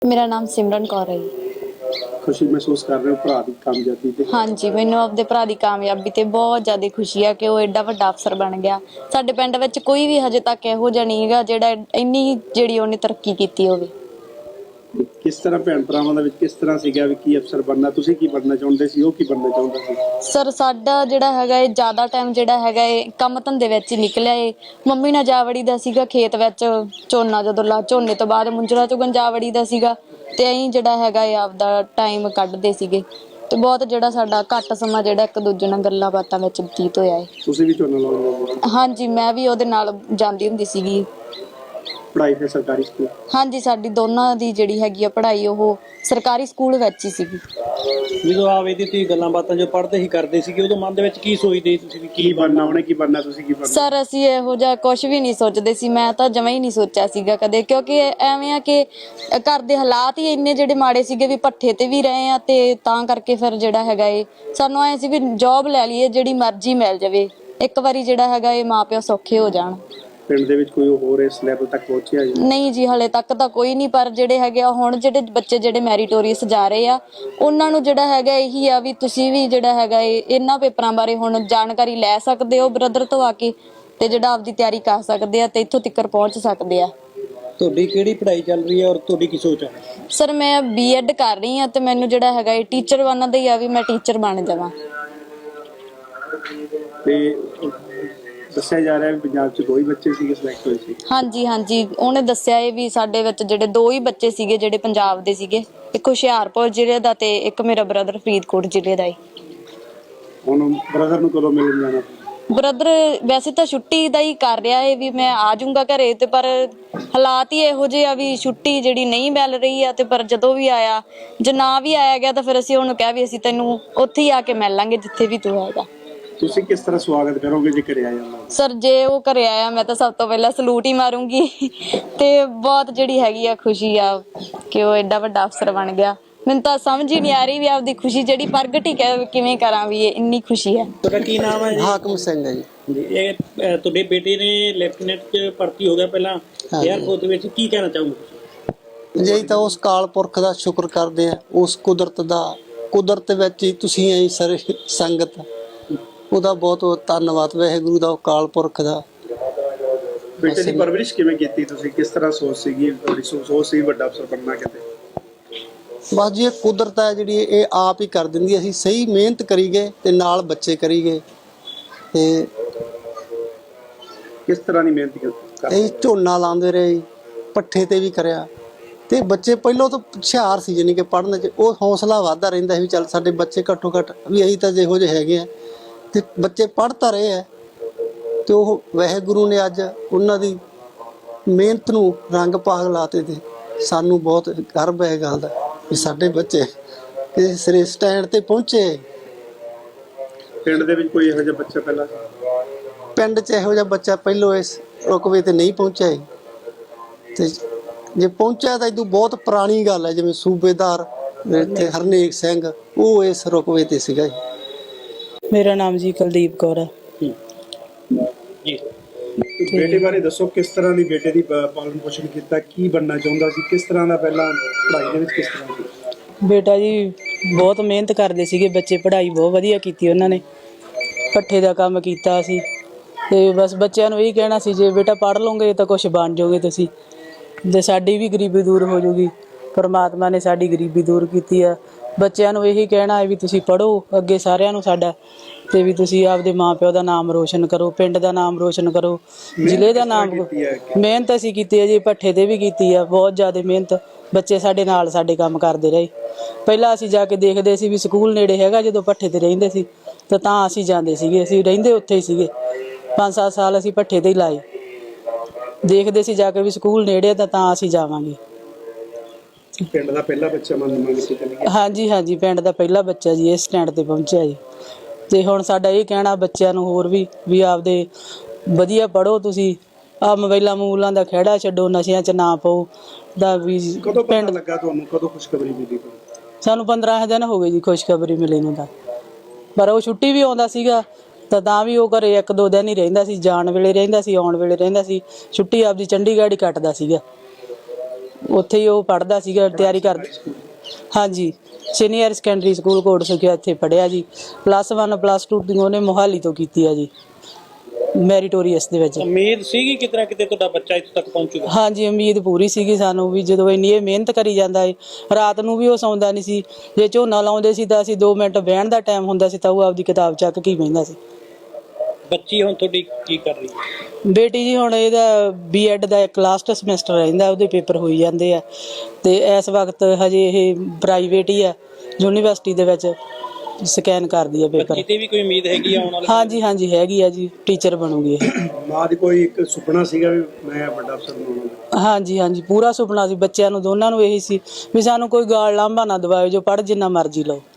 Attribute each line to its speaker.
Speaker 1: ਮੇਰਾ ਨਾਮ ਸਿਮਰਨ ਕੌਰ ਹੈ ਜੀ।
Speaker 2: खुशी महसूस कर रहे हो भरा की कामयाबी ते?
Speaker 1: ਹਾਂਜੀ, ਮੈਨੂੰ ਆਪਦੇ ਭਰਾ ਦੀ ਕਾਮਯਾਬੀ ਤੇ ਬਹੁਤ ਜ਼ਿਆਦਾ ਖੁਸ਼ੀ ਆ ਕਿ ਉਹ ਐਡਾ ਵੱਡਾ ਅਫਸਰ ਬਣ ਗਿਆ। ਸਾਡੇ ਪਿੰਡ ਵਿੱਚ ਕੋਈ ਵੀ ਹਜੇ ਤੱਕ ਇਹੋ ਜਿਹਾ ਨਹੀਂ ਹੈਗਾ ਜਿਹੜਾ ਇੰਨੀ ਜਿਹੜੀ ਉਹਨੇ ਤਰੱਕੀ ਕੀਤੀ ਹੋਵੇ।
Speaker 2: किस तरह भैन भरावां दे विच किस तरह सीगा भी की अफसर बनना, तुसीं की बनना चाहुंदे सी, ओह की बनना चाहुंदा सी?
Speaker 1: ਸਰ ਸਾਡਾ ਜਿਹੜਾ ਹੈਗਾ ਇਹ ਜ਼ਿਆਦਾ ਟਾਈਮ ਜਿਹੜਾ ਹੈਗਾ ਇਹ ਕੰਮ ਧੰਦੇ ਵਿੱਚ ਹੀ ਨਿਕਲਿਆ ਏ। ਮੰਮੀ ਨਾਲ ਜਾ ਵੜੀ ਦਾ ਸੀਗਾ ਖੇਤ ਵਿੱਚ, ਝੋਨਾ ਜਦੋਂ ਝੋਨੇ ਤੋਂ ਬਾਅਦ ਮੁੰਜਰਾ ਚੁਗਣ ਜਾ ਵੜੀ ਦਾ ਸੀਗਾ ਤੇ ਅਸੀਂ ਜਿਹੜਾ ਹੈਗਾ ਇਹ ਆਪਦਾ ਟਾਈਮ ਕੱਢਦੇ ਸੀਗੇ ਤੇ ਬਹੁਤ ਜਿਹੜਾ ਸਾਡਾ ਘੱਟ ਸਮਾਂ ਜਿਹੜਾ ਇੱਕ ਦੂਜੇ ਨਾਲ ਗੱਲਾਂ ਬਾਤਾਂ ਵਿੱਚ ਬਤੀਤ ਹੋਇਆ ਏ।
Speaker 2: ਤੁਸੀਂ ਵੀ ਝੋਨਾ ਲਾਉਂਦੇ ਹੋ?
Speaker 1: ਹਾਂਜੀ, ਮੈਂ ਵੀ ਉਹਦੇ ਨਾਲ ਜਾਂਦੀ ਹੁੰਦੀ ਸੀਗੀ।
Speaker 2: पढ़ाई फिर सरकारी स्कूल?
Speaker 1: ਹਾਂਜੀ, ਸਾਡੀ ਦੋਨਾਂ ਦੀ ਜਿਹੜੀ ਹੈਗੀ ਆ ਪੜ੍ਹਾਈ ਉਹ ਸਰਕਾਰੀ ਸਕੂਲ ਵਿੱਚ ਹੀ ਸੀਗੀ।
Speaker 3: ਜਦੋਂ ਆਵੇ ਦੀ ਤੁਸੀਂ ਗੱਲਾਂ ਬਾਤਾਂ ਜੋ ਪੜ੍ਹਦੇ ਹੀ ਕਰਦੇ ਸੀਗੇ ਉਦੋਂ ਮਨ ਦੇ ਵਿੱਚ ਕੀ ਸੋਚਦੇ ਤੁਸੀਂ ਵੀ
Speaker 2: ਕੀ ਬਣਨਾ, ਉਹਨੇ ਕੀ ਬਣਨਾ, ਤੁਸੀਂ ਕੀ ਬਣਨਾ?
Speaker 1: ਸਰ ਅਸੀਂ ਇਹੋ ਜਿਹਾ ਕੁਝ ਵੀ ਨਹੀਂ ਸੋਚਦੇ ਸੀ। ਮੈਂ ਤਾਂ ਜਮਾਂ ਹੀ ਨਹੀਂ ਸੋਚਿਆ ਸੀਗਾ ਕਦੇ, ਕਿਉਂਕਿ ਐਵੇਂ ਆ ਕਿ ਘਰ ਦੇ ਹਾਲਾਤ ਹੀ ਇੰਨੇ ਜਿਹੜੇ ਮਾੜੇ ਸੀਗੇ ਵੀ ਭੱਠੇ ਤੇ ਵੀ ਰਹੇ ਆ ਤੇ ਤਾਂ ਕਰਕੇ ਫਿਰ ਜਿਹੜਾ ਹੈਗਾ ਇਹ ਸਾਨੂੰ ਐ ਸੀ ਵੀ ਜੌਬ ਲੈ ਲਈਏ ਜਿਹੜੀ ਮਰਜ਼ੀ ਮਿਲ ਜਾਵੇ, ਇੱਕ ਵਾਰੀ ਜਿਹੜਾ ਹੈਗਾ ਇਹ ਮਾਂ ਪਿਓ ਸੌਖੇ ਹੋ ਜਾਣ।
Speaker 2: ਪਿੰਡ ਦੇ ਵਿੱਚ ਕੋਈ ਹੋਰ ਇਸ ਲੈਵਲ ਤੱਕ ਪਹੁੰਚਿਆ ਜੀ?
Speaker 1: ਨਹੀਂ ਜੀ, ਹਲੇ ਤੱਕ ਤਾਂ ਕੋਈ ਨਹੀਂ, ਪਰ ਜਿਹੜੇ ਹੈਗੇ ਆ ਹੁਣ ਜਿਹੜੇ ਬੱਚੇ ਜਿਹੜੇ ਮੈਰੀਟੋਰੀਅਸ ਜਾ ਰਹੇ ਆ ਉਹਨਾਂ ਨੂੰ ਜਿਹੜਾ ਹੈਗਾ ਇਹੀ ਆ ਵੀ ਤੁਸੀਂ ਵੀ ਜਿਹੜਾ ਹੈਗਾ ਇਹਨਾਂ ਪੇਪਰਾਂ ਬਾਰੇ ਹੁਣ ਜਾਣਕਾਰੀ ਲੈ ਸਕਦੇ ਹੋ ਬ੍ਰਦਰ ਤੋਂ ਆ ਕੇ ਤੇ ਜਿਹੜਾ ਆਪਦੀ ਤਿਆਰੀ ਕਰ ਸਕਦੇ ਆ ਤੇ ਇੱਥੋਂ ਤੱਕ ਪਹੁੰਚ ਸਕਦੇ ਆ।
Speaker 3: ਤੁਹਾਡੀ ਕਿਹੜੀ ਪੜ੍ਹਾਈ ਚੱਲ ਰਹੀ ਹੈ ਔਰ ਤੁਹਾਡੀ ਕੀ ਸੋਚ ਹੈ?
Speaker 1: ਸਰ ਮੈਂ ਬੀਐਡ ਕਰ ਰਹੀ ਆ ਤੇ ਮੈਨੂੰ ਜਿਹੜਾ ਹੈਗਾ ਇਹ ਟੀਚਰ ਬਣਨ ਦਾ ਹੀ ਆ ਵੀ ਮੈਂ ਟੀਚਰ ਬਣ ਜਾਵਾਂ।
Speaker 2: ਤੇ ਦੱਸਿਆ ਜਾ ਰਿਹਾ ਵੀ ਪੰਜਾਬ 'ਚ 2 ਹੀ ਬੱਚੇ ਸੀਗੇ ਸਿਲੈਕਟ ਹੋਏ ਸੀ?
Speaker 1: ਹਾਂਜੀ ਹਾਂਜੀ, ਉਹਨੇ ਦੱਸਿਆ ਇਹ ਵੀ ਸਾਡੇ ਵਿੱਚ ਜਿਹੜੇ 2 ਹੀ ਬੱਚੇ ਸੀਗੇ ਜਿਹੜੇ ਪੰਜਾਬ ਦੇ ਸੀਗੇ, ਇੱਕ ਹੁਸ਼ਿਆਰਪੁਰ ਜ਼ਿਲ੍ਹੇ ਦਾ ਤੇ ਇੱਕ ਮੇਰਾ ਬ੍ਰਦਰ ਫਰੀਦਕੋਟ ਜ਼ਿਲ੍ਹੇ ਦਾ।
Speaker 2: ਹੁਣ ਬ੍ਰਦਰ ਨੂੰ ਕਦੋਂ ਮਿਲਣ ਜਾਣਾ?
Speaker 1: ਬ੍ਰਦਰ ਵੈਸੇ ਤਾਂ ਛੁੱਟੀ ਦਾ ਹੀ ਕਰ ਰਿਹਾ ਹੈ ਵੀ ਮੈਂ ਆ ਜਾਊਂਗਾ ਘਰੇ ਤੇ ਪਰ ਹਾਲਾਤ ਹੀ ਇਹੋ ਜਿਹੇ ਆ ਵੀ ਛੁੱਟੀ ਜਿਹੜੀ ਨਹੀਂ ਮਿਲ ਰਹੀ ਆ ਤੇ ਪਰ ਜਦੋਂ ਵੀ ਆਇਆ ਜੇ ਨਾ ਵੀ ਆਇਆ ਗਿਆ ਤਾਂ ਫਿਰ ਅਸੀਂ ਉਹਨੂੰ ਕਿਹਾ ਵੀ ਅਸੀਂ ਤੈਨੂੰ ਉੱਥੇ ਹੀ ਆ ਕੇ ਮਿਲ ਲਾਂਗੇ ਜਿੱਥੇ ਵੀ ਤੂੰ ਹੈਗਾ।
Speaker 2: ਤੁਸੀਂ ਕਿਸ ਤਰ੍ਹਾਂ ਸਵਾਗਤ ਕਰੋਗੇ ਜੇ ਘਰੇ ਆ ਜਾਂਦਾ?
Speaker 1: ਸਰ ਜੇ ਉਹ ਘਰੇ ਆਇਆ ਮੈਂ ਤਾਂ ਸਭ ਤੋਂ ਪਹਿਲਾਂ ਸਲੂਟ ਹੀ ਮਾਰੂੰਗੀ ਤੇ ਬਹੁਤ ਜਿਹੜੀ ਹੈਗੀ ਆ ਖੁਸ਼ੀ ਆ ਕਿ ਉਹ ਐਡਾ ਵੱਡਾ ਅਫਸਰ ਬਣ ਗਿਆ। ਮੈਨੂੰ ਤਾਂ ਸਮਝ ਹੀ ਨਹੀਂ ਆ ਰਹੀ ਵੀ ਆਪਦੀ ਖੁਸ਼ੀ ਜਿਹੜੀ ਪ੍ਰਗਟ ਹੀ ਕਿਵੇਂ ਕਰਾਂ ਵੀ ਇਹ ਇੰਨੀ ਖੁਸ਼ੀ ਹੈ।
Speaker 3: ਤੁਹਾਡਾ ਕੀ ਨਾਮ ਹੈ ਜੀ?
Speaker 4: ਹਾਕਮ ਸਿੰਘ ਹੈ ਜੀ।
Speaker 3: ਇਹ ਤੁਹਾਡੇ ਬੇਟੇ ਨੇ ਲੈਫਟੀਨੈਂਟ 'ਚ ਭਰਤੀ ਹੋ ਗਿਆ ਪਹਿਲਾਂ 에ਅਰਫੋਰਸ ਦੇ ਵਿੱਚ, ਕੀ ਕਹਿਣਾ ਚਾਹੋਗੇ?
Speaker 4: ਜੀ ਤਾਂ ਉਸ ਕਾਲ ਪੁਰਖ ਦਾ ਸ਼ੁਕਰ ਕਰਦੇ ਆ, ਉਸ ਕੁਦਰਤ ਵਿੱਚ ਹੀ ਤੁਸੀਂ ਐ ਸਾਰੇ ਸੰਗਤ, ਉਹਦਾ ਬਹੁਤ ਬਹੁਤ ਧੰਨਵਾਦ ਵਾਹਿਗੁਰੂ ਦਾ, ਉਹ ਕਾਲ ਪੁਰਖ ਦਾ।
Speaker 2: ਬੇਟੇ ਦੀ ਪਰਵਰਿਸ਼ ਕਿਵੇਂ ਕੀਤੀ ਤੁਸੀਂ? ਕਿਸ ਤਰ੍ਹਾਂ ਸੋਚ ਸੀਗੀ ਤੁਹਾਡੀ? ਸੋਚ ਸੀ ਵੱਡਾ ਅਫਸਰ ਬਣਨਾ ਕਿਤੇ?
Speaker 4: ਬਸ ਜੀ ਇਹ ਕੁਦਰਤ ਹੈ ਜਿਹੜੀ ਇਹ ਆਪ ਹੀ ਕਰ ਦਿੰਦੀ। ਅਸੀਂ ਸਹੀ ਮਿਹਨਤ ਕਰੀ ਗਏ ਤੇ ਨਾਲ ਬੱਚੇ ਕਰੀ ਗਏ ਤੇ
Speaker 2: ਕਿਸ ਤਰ੍ਹਾਂ ਦੀ ਮਿਹਨਤ ਕੀਤੀ?
Speaker 4: ਇਹ ਝੋਨਾ ਲਾਉਂਦੇ ਰਹੇ, ਪੱਠੇ ਤੇ ਵੀ ਕਰਿਆ ਤੇ ਬੱਚੇ ਪਹਿਲਾਂ ਤੋਂ ਹੁਸ਼ਿਆਰ ਸੀ, ਜਾਨੀ ਕਿ ਪੜ੍ਹਨ 'ਚ ਉਹ ਹੌਸਲਾ ਵੱਧਦਾ ਰਹਿੰਦਾ ਸੀ ਵੀ ਚੱਲ ਸਾਡੇ ਬੱਚੇ ਘੱਟੋ ਘੱਟ ਵੀ ਅਸੀਂ ਤਾਂ ਜਿਹੋ ਜਿਹੇ ਹੈਗੇ ਆ ਤੇ ਬੱਚੇ ਪੜ੍ਹ ਤਾਂ ਰਹੇ ਆ ਤੇ ਉਹ ਵਾਹਿਗੁਰੂ ਨੇ ਅੱਜ ਉਹਨਾਂ ਦੀ ਮਿਹਨਤ ਨੂੰ ਰੰਗ ਭਾਗ ਲਾਤੇ ਤੇ ਸਾਨੂੰ ਬਹੁਤ ਗਰਵ ਹੈ ਗੱਲ ਦਾ ਵੀ ਸਾਡੇ ਬੱਚੇ ਕਿਸੇ ਸਿਰੇ ਸਟੈਂਡ ਤੇ ਪਹੁੰਚੇ।
Speaker 2: ਪਿੰਡ ਦੇ ਵਿੱਚ ਕੋਈ ਇਹੋ ਜਿਹਾ ਬੱਚਾ ਪਹਿਲਾਂ?
Speaker 4: ਪਿੰਡ 'ਚ ਇਹੋ ਜਿਹਾ ਬੱਚਾ ਪਹਿਲੋਂ ਇਸ ਰੁਕਵੇ ਤੇ ਨਹੀਂ ਪਹੁੰਚਿਆ ਤੇ ਜੇ ਪਹੁੰਚਿਆ ਤਾਂ ਇਹਦੋਂ ਬਹੁਤ ਪੁਰਾਣੀ ਗੱਲ ਹੈ, ਜਿਵੇਂ ਸੂਬੇਦਾਰ ਇੱਥੇ ਹਰਨੇਕ ਸਿੰਘ ਉਹ ਇਸ ਰੁਕਵੇ ਤੇ ਸੀਗਾ ਜੀ।
Speaker 5: ਮੇਰਾ ਨਾਮ ਜੀ ਕੁਲਦੀਪ ਕੌਰ ਹੈ
Speaker 3: ਜੀ।
Speaker 2: ਬੇਟੇ ਬਾਰੇ ਦੱਸੋ, ਕਿਸ ਤਰ੍ਹਾਂ ਦੀ ਬੇਟੇ ਦੀ ਪਾਲਣ ਪੋਸ਼ਣ ਕੀਤਾ, ਕੀ ਬਣਨਾ ਚਾਹੁੰਦਾ ਸੀ, ਕਿਸ ਤਰ੍ਹਾਂ ਦਾ ਪਹਿਲਾਂ ਪੜ੍ਹਾਈ ਦੇ ਵਿੱਚ ਕਿਸ ਤਰ੍ਹਾਂ ਦੀ?
Speaker 5: ਬੇਟਾ ਜੀ ਬਹੁਤ ਮਿਹਨਤ ਕਰਦੇ ਸੀਗੇ ਬੱਚੇ, ਪੜ੍ਹਾਈ ਬਹੁਤ ਵਧੀਆ ਕੀਤੀ ਉਹਨਾਂ ਨੇ, ਪੱਠੇ ਦਾ ਕੰਮ ਕੀਤਾ ਸੀ ਤੇ ਬਸ ਬੱਚਿਆਂ ਨੂੰ ਇਹੀ ਕਹਿਣਾ ਸੀ ਜੇ ਬੇਟਾ ਪੜ੍ਹ ਲਓਗੇ ਤਾਂ ਕੁਝ ਬਣ ਜਾਓਗੇ ਤੁਸੀਂ, ਤੇ ਸਾਡੀ ਵੀ ਗਰੀਬੀ ਦੂਰ ਹੋ ਜਾਊਗੀ। ਪਰਮਾਤਮਾ ਨੇ ਸਾਡੀ ਗਰੀਬੀ ਦੂਰ ਕੀਤੀ ਆ। ਬੱਚਿਆਂ ਨੂੰ ਇਹੀ ਕਹਿਣਾ ਹੈ ਵੀ ਤੁਸੀਂ ਪੜ੍ਹੋ ਅੱਗੇ ਸਾਰਿਆਂ ਨੂੰ ਸਾਡਾ, ਤੇ ਵੀ ਤੁਸੀਂ ਆਪਦੇ ਮਾਂ ਪਿਓ ਦਾ ਨਾਮ ਰੋਸ਼ਨ ਕਰੋ, ਪਿੰਡ ਦਾ ਨਾਮ ਰੋਸ਼ਨ ਕਰੋ, ਜ਼ਿਲ੍ਹੇ ਦਾ ਨਾਮ। ਮਿਹਨਤ ਅਸੀਂ ਕੀਤੀ ਹੈ ਜੀ, ਭੱਠੇ ਤੇ ਵੀ ਕੀਤੀ ਆ ਬਹੁਤ ਜ਼ਿਆਦਾ ਮਿਹਨਤ। ਬੱਚੇ ਸਾਡੇ ਨਾਲ ਸਾਡੇ ਕੰਮ ਕਰਦੇ ਰਹੇ। ਪਹਿਲਾਂ ਅਸੀਂ ਜਾ ਕੇ ਦੇਖਦੇ ਸੀ ਵੀ ਸਕੂਲ ਨੇੜੇ ਹੈਗਾ, ਜਦੋਂ ਭੱਠੇ ਤੇ ਰਹਿੰਦੇ ਸੀ ਤਾਂ ਅਸੀਂ ਜਾਂਦੇ ਸੀਗੇ, ਅਸੀਂ ਰਹਿੰਦੇ ਉੱਥੇ ਹੀ ਸੀਗੇ। 5-7 ਸਾਲ ਅਸੀਂ ਭੱਠੇ ਤੇ ਹੀ ਲਾਏ, ਦੇਖਦੇ ਸੀ ਜਾ ਕੇ ਵੀ ਸਕੂਲ ਨੇੜੇ ਤਾਂ ਅਸੀਂ ਜਾਵਾਂਗੇ।
Speaker 2: ਪਿੰਡ ਦਾ ਪਹਿਲਾ ਬੱਚਾ ਮੰਨ ਕੇ ਚੱਲੀਏ?
Speaker 5: ਹਾਂਜੀ ਹਾਂਜੀ, ਪਿੰਡ ਦਾ ਪਹਿਲਾ ਬੱਚਾ ਜੀ ਇਸ ਸਟੈਂਡ ਤੇ ਪਹੁੰਚਿਆ ਜੀ। ਤੇ ਹੁਣ ਸਾਡਾ ਇਹ ਕਹਿਣਾ ਬੱਚਿਆਂ ਨੂੰ ਹੋਰ ਵੀ ਆਪਦੇ ਵਧੀਆ ਪੜ੍ਹੋ ਤੁਸੀਂ, ਆ ਮੋਬਾਈਲਾਂ ਦਾ ਖਹਿੜਾ ਛੱਡੋ, ਨਸ਼ਿਆਂ 'ਚ ਨਾ ਪਾਓ ਦਾ ਵੀ।
Speaker 2: ਕਦੋਂ ਪਤਾ ਲੱਗਾ ਤੁਹਾਨੂੰ, ਕਦੋਂ ਖੁਸ਼ਖਬਰੀ ਮਿਲੀ?
Speaker 5: ਸਾਨੂੰ 15 ਦਿਨ ਹੋ ਗਏ ਜੀ ਖੁਸ਼ਖਬਰੀ ਮਿਲੀ ਨੂੰ ਤਾਂ, ਪਰ ਉਹ ਛੁੱਟੀ ਵੀ ਆਉਂਦਾ ਸੀਗਾ ਤਾਂ ਵੀ ਉਹ ਘਰੇ 1-2 ਦਿਨ ਹੀ ਰਹਿੰਦਾ ਸੀ, ਜਾਣ ਵੇਲੇ ਰਹਿੰਦਾ ਸੀ, ਆਉਣ ਵੇਲੇ ਰਹਿੰਦਾ ਸੀ। ਛੁੱਟੀ ਆਪਦੀ ਚੰਡੀਗੜ੍ਹ ਹੀ ਕੱਟਦਾ ਸੀਗਾ। ਉੱਥੇ ਹੀ ਉਹ ਪੜ੍ਹਦਾ ਸੀਗਾ, ਤਿਆਰੀ ਕਰਦਾ। ਹਾਂਜੀ, senior secondary school Kot Sukhia ਇੱਥੇ ਪੜ੍ਹਿਆ ਜੀ। +1 +2 ਦੀ ਉਹਨੇ ਮੋਹਾਲੀ ਤੋਂ ਕੀਤੀ ਆ ਜੀ, ਮੈਰੀਟੋਰੀਅਸ ਦੇ ਵਿੱਚ।
Speaker 3: ਉਮੀਦ ਸੀਗੀ ਕਿਤੇ ਤੁਹਾਡਾ ਬੱਚਾ ਇੱਥੇ ਤੱਕ ਪਹੁੰਚੂਗਾ?
Speaker 5: ਹਾਂਜੀ, ਉਮੀਦ ਪੂਰੀ ਸੀਗੀ ਸਾਨੂੰ ਵੀ, ਜਦੋਂ ਇੰਨੀ ਇਹ ਮਿਹਨਤ ਕਰੀ ਜਾਂਦਾ ਏ। ਰਾਤ ਨੂੰ ਵੀ ਉਹ ਸੌਂਦਾ ਨਹੀਂ ਸੀ, ਜੇ ਝੋਨਾ ਲਾਉਂਦੇ ਸੀ ਤਾਂ ਅਸੀਂ 2 ਮਿੰਟ ਬਹਿਣ ਦਾ ਟਾਈਮ ਹੁੰਦਾ ਸੀ ਤਾਂ ਉਹ ਆਪਦੀ ਕਿਤਾਬ ਚੱਕ ਕੇ ਹੀ ਬਹਿੰਦਾ ਸੀ।
Speaker 3: ਬੱਚੀ ਹੁਣ ਤੁਹਾਡੀ ਕੀ ਕਰ ਰਹੀ ਹੈ?
Speaker 5: ਬੇਟੀ ਜੀ ਹੁਣ ਇਹਦਾ B.Ed ਦਾ ਇੱਕ ਲਾਸਟ ਸਮੈਸਟਰ ਰਹਿੰਦਾ, ਉਹਦੇ ਪੇਪਰ ਹੋਈ ਜਾਂਦੇ ਆ ਤੇ ਇਸ ਵਕਤ ਹਜੇ ਇਹ ਪ੍ਰਾਈਵੇਟ ਹੀ ਆ, ਯੂਨੀਵਰਸਿਟੀ ਦੇ ਵਿੱਚ ਸਕੈਨ ਕਰਦੀ ਆ ਪੇਪਰ।
Speaker 3: ਬੱਚੀ ਤੇ ਵੀ ਕੋਈ ਉਮੀਦ ਹੈਗੀ ਆ ਆਉਣ ਵਾਲੇ?
Speaker 5: ਹਾਂਜੀ ਹਾਂਜੀ ਹੈਗੀ ਆ ਜੀ, ਟੀਚਰ ਬਣੂਗੀ ਇਹ।
Speaker 2: ਮਾਂ ਦੀ ਕੋਈ ਇੱਕ ਸੁਪਨਾ ਸੀਗਾ ਵੀ ਮੈਂ ਵੱਡਾ ਅਫਸਰ ਬਣਾਉਣਾ?
Speaker 5: ਹਾਂਜੀ ਹਾਂਜੀ, ਪੂਰਾ ਸੁਪਨਾ ਸੀ ਬੱਚਿਆਂ ਨੂੰ, ਦੋਨਾਂ ਨੂੰ ਇਹੀ ਸੀ ਵੀ ਸਾਨੂੰ ਕੋਈ ਗਾਲ ਲਾਂਭਾ ਨਾ ਦਵਾਇਓ, ਜੋ ਪੜ੍ਹ ਜਿੰਨਾ ਮਰਜ਼ੀ ਲਓ।